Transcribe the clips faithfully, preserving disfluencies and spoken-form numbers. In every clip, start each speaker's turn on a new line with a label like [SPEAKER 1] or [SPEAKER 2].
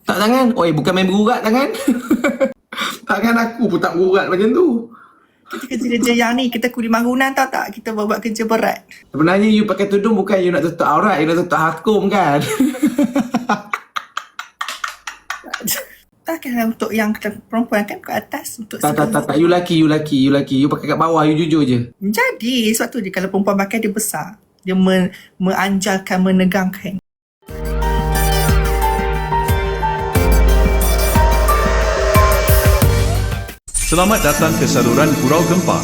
[SPEAKER 1] Tak tangan. Oi, bukan main berurat tangan. Tangan aku pun tak berurat macam tu.
[SPEAKER 2] Kita kerja-kerja yang ni, kita kuli bangunan tau tak? Kita buat kerja berat.
[SPEAKER 1] Sebenarnya you pakai tudung bukan you nak tutup aurat, you nak tutup hakum kan?
[SPEAKER 2] Takkan untuk yang perempuan kan ke atas untuk
[SPEAKER 1] tak, tak, tak, tak. You laki, you laki, you laki. You pakai kat bawah, you jujur je.
[SPEAKER 2] Jadi, sebab tu dia kalau perempuan pakai dia besar. Dia men, menanjalkan, menegangkan.
[SPEAKER 3] Selamat datang ke saluran Gurau Gempa.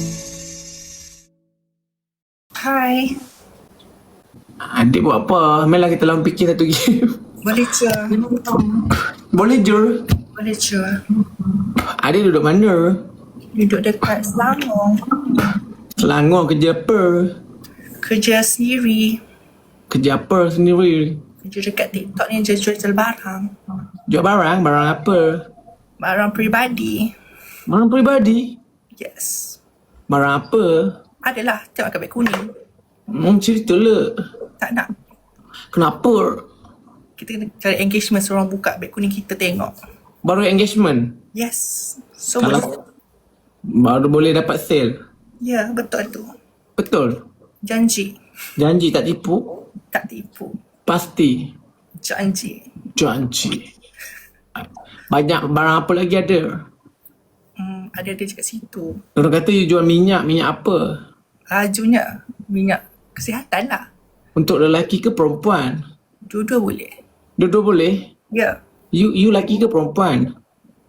[SPEAKER 2] Hai.
[SPEAKER 1] Adik buat apa? Malah kita lawan fikir satu game.
[SPEAKER 2] Boleh je.
[SPEAKER 1] Boleh je.
[SPEAKER 2] Boleh je.
[SPEAKER 1] Adik duduk mana?
[SPEAKER 2] Duduk dekat Selangor.
[SPEAKER 1] Selangor kerja apa?
[SPEAKER 2] Kerja sendiri.
[SPEAKER 1] Kerja apa sendiri?
[SPEAKER 2] Kerja dekat TikTok ni jual-jual barang.
[SPEAKER 1] Jual barang? Barang apa?
[SPEAKER 2] Barang peribadi.
[SPEAKER 1] Barang peribadi?
[SPEAKER 2] Yes.
[SPEAKER 1] Barang apa?
[SPEAKER 2] Adalah, tengok kat beg kuning.
[SPEAKER 1] Hmm, cerita lah.
[SPEAKER 2] Tak nak.
[SPEAKER 1] Kenapa?
[SPEAKER 2] Kita kena cari engagement, seorang buka beg kuning kita tengok.
[SPEAKER 1] Baru engagement?
[SPEAKER 2] Yes. So,
[SPEAKER 1] Kalau
[SPEAKER 2] boleh.
[SPEAKER 1] baru boleh dapat sale?
[SPEAKER 2] Ya, betul tu.
[SPEAKER 1] Betul?
[SPEAKER 2] Janji.
[SPEAKER 1] Janji tak tipu?
[SPEAKER 2] Tak tipu.
[SPEAKER 1] Pasti?
[SPEAKER 2] Janji.
[SPEAKER 1] Janji. Banyak barang apa lagi ada?
[SPEAKER 2] Hmm, ada-ada je kat situ.
[SPEAKER 1] Orang kata you jual minyak, minyak apa?
[SPEAKER 2] Lajunya minyak kesihatan lah.
[SPEAKER 1] Untuk lelaki ke perempuan?
[SPEAKER 2] Dua-dua boleh.
[SPEAKER 1] Dua-dua boleh?
[SPEAKER 2] Ya.
[SPEAKER 1] You you lelaki ke perempuan?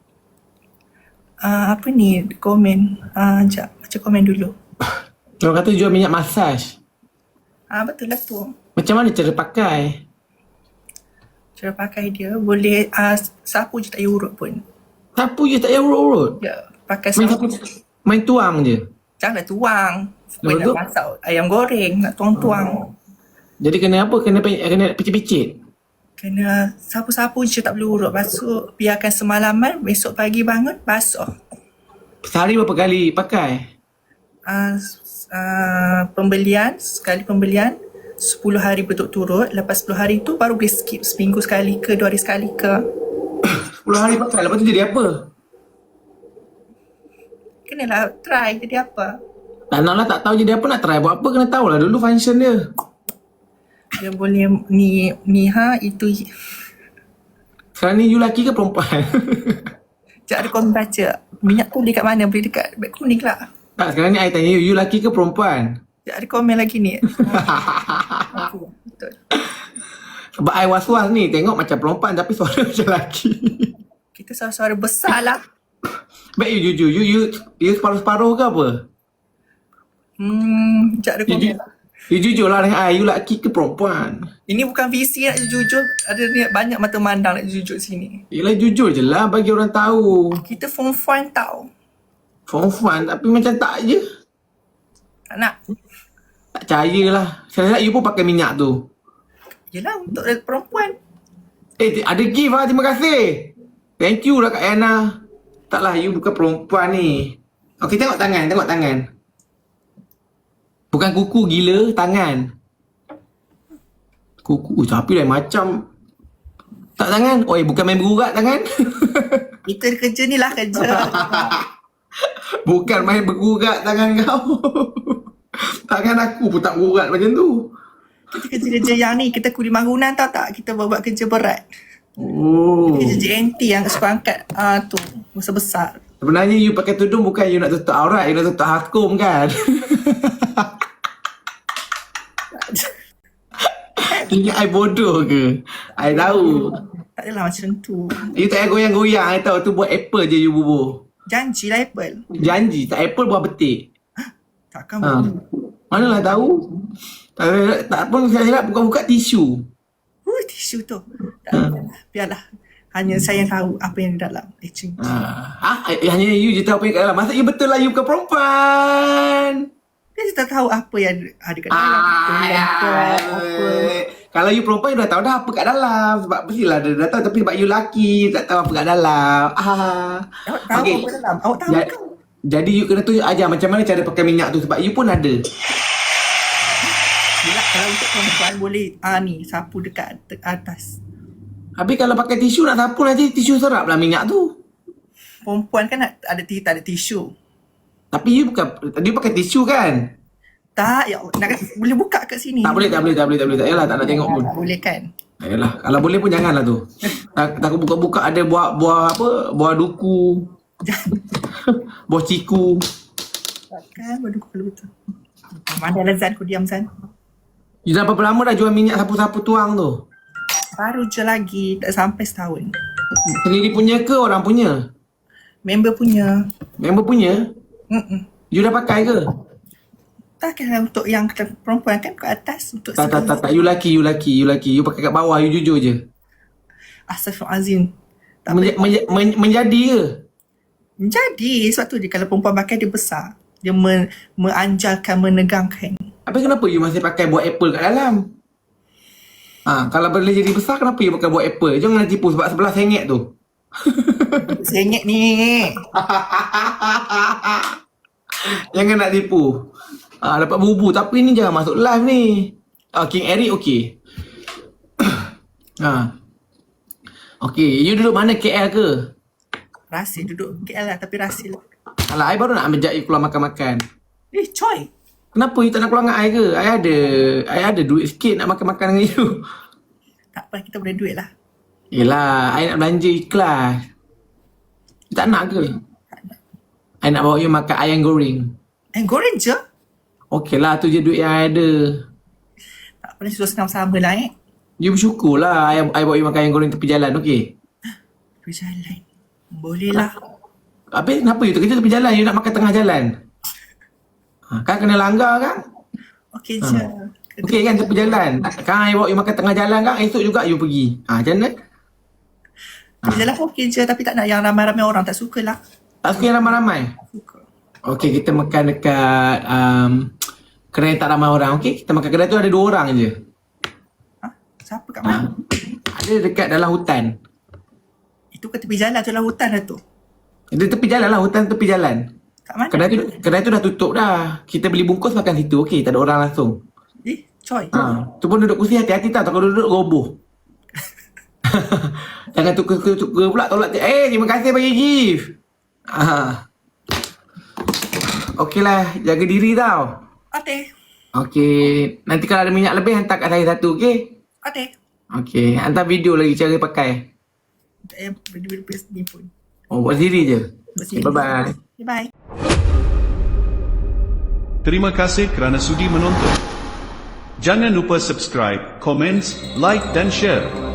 [SPEAKER 2] Uh, apa ni komen? Uh, sekejap, baca komen dulu.
[SPEAKER 1] Orang kata jual minyak masaj.
[SPEAKER 2] Ah uh, betul lah tu.
[SPEAKER 1] Macam mana cara pakai?
[SPEAKER 2] Cara pakai dia boleh uh, sapu je tak payah urut pun.
[SPEAKER 1] Sapu je tak payah urut-urut?
[SPEAKER 2] Ya, pakai
[SPEAKER 1] Main,
[SPEAKER 2] sapu.
[SPEAKER 1] sapu, main tuang je?
[SPEAKER 2] Janganlah tuang.
[SPEAKER 1] Lepas
[SPEAKER 2] Nak
[SPEAKER 1] tu?
[SPEAKER 2] masak ayam goreng, nak tuang-tuang.
[SPEAKER 1] Jadi kena apa? Kena kena picit-picit?
[SPEAKER 2] Kena sapu-sapu je tak perlu urut. Lepas tu biarkan semalaman, besok pagi bangun, basuh.
[SPEAKER 1] Sehari berapa kali pakai?
[SPEAKER 2] Uh, uh, pembelian, sekali pembelian, sepuluh hari berturut-turut. Lepas sepuluh hari tu baru boleh skip seminggu sekali ke, dua hari sekali ke.
[SPEAKER 1] sepuluh hari pakai, lepas tu jadi apa?
[SPEAKER 2] Kenalah try jadi apa.
[SPEAKER 1] Tak nak lah, tak tahu jadi apa, nak try buat apa, kena tahulah dulu function dia.
[SPEAKER 2] Dia boleh ni, ni ha, itu.
[SPEAKER 1] Sekarang ni you lelaki ke perempuan?
[SPEAKER 2] Sekejap ada korang baca. Minyak tu beli kat mana? Beli dekat beg kuning lah.
[SPEAKER 1] Tak, sekarang ni I tanya you, you lelaki ke perempuan?
[SPEAKER 2] Sekejap ada komen lagi ni. Betul.
[SPEAKER 1] Sebab I was-was ni, tengok macam perempuan tapi suara macam lelaki.
[SPEAKER 2] Kita suara-suara besar lah.
[SPEAKER 1] Baik you jujur, you, you, you separuh-separuh ke apa?
[SPEAKER 2] Hmm, sekejap ada
[SPEAKER 1] You,
[SPEAKER 2] komen
[SPEAKER 1] you,
[SPEAKER 2] lah.
[SPEAKER 1] you jujur lah dengan I, you lelaki ke perempuan?
[SPEAKER 2] Ini bukan visi nak jujur. Ada ni banyak mata mandang nak jujur sini.
[SPEAKER 1] Yelah jujur je lah bagi orang tahu.
[SPEAKER 2] Kita form fun tau.
[SPEAKER 1] Form fun tapi macam tak je.
[SPEAKER 2] Tak nak.
[SPEAKER 1] Tak percaya lah. Saya lihat you pun pakai minyak tu.
[SPEAKER 2] Yelah untuk perempuan.
[SPEAKER 1] Eh ada gift lah, terima kasih. Thank you lah Kak Yana. Taklah you bukan perempuan ni. Okey tengok tangan, tengok tangan. Bukan kuku gila, tangan. Kuku tapi lain macam. Tak tangan. Oi bukan main berurat tangan.
[SPEAKER 2] Kita kerja ni lah kerja.
[SPEAKER 1] Bukan main berurat tangan kau. Tangan aku pun tak berurat macam tu.
[SPEAKER 2] Kita kerja-kerja yang ni, kita kuli bangunan tau tak? Kita buat kerja berat.
[SPEAKER 1] Oh.
[SPEAKER 2] Kerja J N T yang suka angkat uh, tu, besar-besar.
[SPEAKER 1] Sebenarnya you pakai tudung bukan you nak tutup aurat, you nak tutup hakum kan? Ingat I bodoh ke? I tahu.
[SPEAKER 2] Tak adalah macam tu.
[SPEAKER 1] You tak payah goyang-goyang, I tahu tu buat apple je you bubuh.
[SPEAKER 2] Janji lah Apple.
[SPEAKER 1] Janji, tak apple buah betik.
[SPEAKER 2] Takkan
[SPEAKER 1] Ha.
[SPEAKER 2] boleh.
[SPEAKER 1] Manalah tahu. Tak, tak pun saya silap buka-buka tisu.
[SPEAKER 2] Uh, tisu tu. Tak apalah. Biarlah. Hanya saya yang tahu apa yang di dalam. Eh, cing.
[SPEAKER 1] Ha. Ha? Eh, hanya you je tahu apa yang kat dalam. Masa you betul lah you bukan perempuan.
[SPEAKER 2] Dia tak tahu apa yang ada kat dalam.
[SPEAKER 1] Ah,
[SPEAKER 2] Kelompok, apa.
[SPEAKER 1] kalau you perempuan you dah tahu dah apa kat dalam. Sebab mestilah dia dah tahu. Tapi sebab you lelaki tak tahu apa kat dalam. Ah.
[SPEAKER 2] Awak tahu
[SPEAKER 1] Okey.
[SPEAKER 2] apa dalam? Awak tahu
[SPEAKER 1] Ja-
[SPEAKER 2] kan?
[SPEAKER 1] Jadi you kena tunjuk ajar macam mana cara pakai minyak tu. Sebab you pun ada.
[SPEAKER 2] Yelah, kalau untuk perempuan boleh ah ni sapu dekat te- atas.
[SPEAKER 1] Habis kalau pakai tisu nak sapu nanti tisu serap lah minyak tu.
[SPEAKER 2] Perempuan kan nak ada, tak ada tisu.
[SPEAKER 1] Tapi you bukan, dia pakai tisu kan?
[SPEAKER 2] Tak, ya Allah. Nak, boleh buka kat sini.
[SPEAKER 1] Tak boleh, tak boleh, tak boleh, tak boleh. Tak payahlah, tak nak tengok pun.
[SPEAKER 2] Tak boleh kan?
[SPEAKER 1] Tak payahlah. Kalau boleh pun janganlah tu. Tak, takut buka-buka ada buah, buah apa? Buah duku. Buah ciku.
[SPEAKER 2] Takkan baru kalau betul. Mana lah Zan, kau diam Zan.
[SPEAKER 1] You dah berapa lama dah jual minyak sapu-sapu tuang tu?
[SPEAKER 2] Baru je lagi, tak sampai setahun.
[SPEAKER 1] Sendiri punya ke orang punya?
[SPEAKER 2] Member punya.
[SPEAKER 1] Member punya?
[SPEAKER 2] Mm-mm.
[SPEAKER 1] You dah pakai ke?
[SPEAKER 2] Takkanlah untuk yang perempuan kan kat atas. Untuk
[SPEAKER 1] Tak, tak, tak, tak. You laki, you laki, you laki. You pakai kat bawah, you jujur je.
[SPEAKER 2] Astaghfirullahalazim. Tak
[SPEAKER 1] Menja, menja, men, menjadi ke?
[SPEAKER 2] Jadi, sebab tu dia kalau perempuan pakai dia besar. Dia men, menanjalkan, menegangkan.
[SPEAKER 1] Habis kenapa you masih pakai buah apple kat dalam? Ha, kalau boleh jadi besar, kenapa you pakai buah apple? Jangan nak tipu sebab sebelah sengit tu.
[SPEAKER 2] Sengit ni.
[SPEAKER 1] Jangan nak tipu. Ha, dapat bubu. Tapi ni jangan masuk live ni. Oh, King Eric okey. ha. Okey, you duduk mana K L ke?
[SPEAKER 2] Rasil duduk K L lah, tapi Rasil.
[SPEAKER 1] Alah, I baru nak ambil you keluar makan-makan.
[SPEAKER 2] Eh, coy.
[SPEAKER 1] Kenapa you tak nak keluar dengan I ke? I ada, I ada duit sikit nak makan-makan dengan you.
[SPEAKER 2] Tak apa, kita boleh duit lah.
[SPEAKER 1] Yelah, I nak belanja ikhlas. You tak nak ke?
[SPEAKER 2] Tak nak.
[SPEAKER 1] I nak bawa you makan ayam goreng.
[SPEAKER 2] Eh, goreng je?
[SPEAKER 1] Okey lah, tu je duit yang I ada.
[SPEAKER 2] Tak apa, sudah senang sama lah eh.
[SPEAKER 1] You bersyukur lah I, I bawa you makan ayam goreng tepi jalan, okey?
[SPEAKER 2] Berjalan. Boleh lah.
[SPEAKER 1] Habis kenapa you terkejut tepi jalan? You nak makan tengah jalan? Ha, kan kena langgar kan?
[SPEAKER 2] Okey je.
[SPEAKER 1] Okey kan tepi jalan. Kan I bawa you makan tengah jalan kan? Esok juga you pergi. Ha, macam mana?
[SPEAKER 2] Tepi jalan okey je, tapi tak nak yang ramai-ramai orang. Tak suka lah.
[SPEAKER 1] Tak suka yang ramai-ramai?
[SPEAKER 2] Suka.
[SPEAKER 1] Okey, kita makan dekat um, kedai tak ramai orang. Okey, kita makan kedai tu ada dua orang je.
[SPEAKER 2] Ha? Siapa kat
[SPEAKER 1] Ha.
[SPEAKER 2] mana?
[SPEAKER 1] Ada dekat dalam hutan.
[SPEAKER 2] Itu ke tepi jalan tu lah, hutan lah tu.
[SPEAKER 1] Dia tepi jalan lah, hutan tepi jalan.
[SPEAKER 2] Kat mana?
[SPEAKER 1] Kedai tu, kedai tu dah tutup dah. Kita beli bungkus makan situ. Okey, tak ada orang langsung.
[SPEAKER 2] Eh, coy.
[SPEAKER 1] Ha, tu pun duduk kursi hati-hati tau. Takut duduk roboh. Jangan tukar-tukar pula tolak. Eh, terima kasih bagi gift. Ha. Okey lah, jaga diri tau.
[SPEAKER 2] Okey.
[SPEAKER 1] Okey, nanti kalau ada minyak lebih hantar kat saya satu, okey?
[SPEAKER 2] Okey.
[SPEAKER 1] Okey, hantar video lagi cara pakai.
[SPEAKER 2] Tak payah berdua-dua sendiri pun.
[SPEAKER 1] Oh, buat sendiri je.
[SPEAKER 2] Buat
[SPEAKER 1] Okay,
[SPEAKER 2] sendiri.
[SPEAKER 1] bye-bye.
[SPEAKER 2] Bye-bye.
[SPEAKER 3] Terima kasih kerana sudi menonton. Jangan lupa subscribe, komen, like dan share.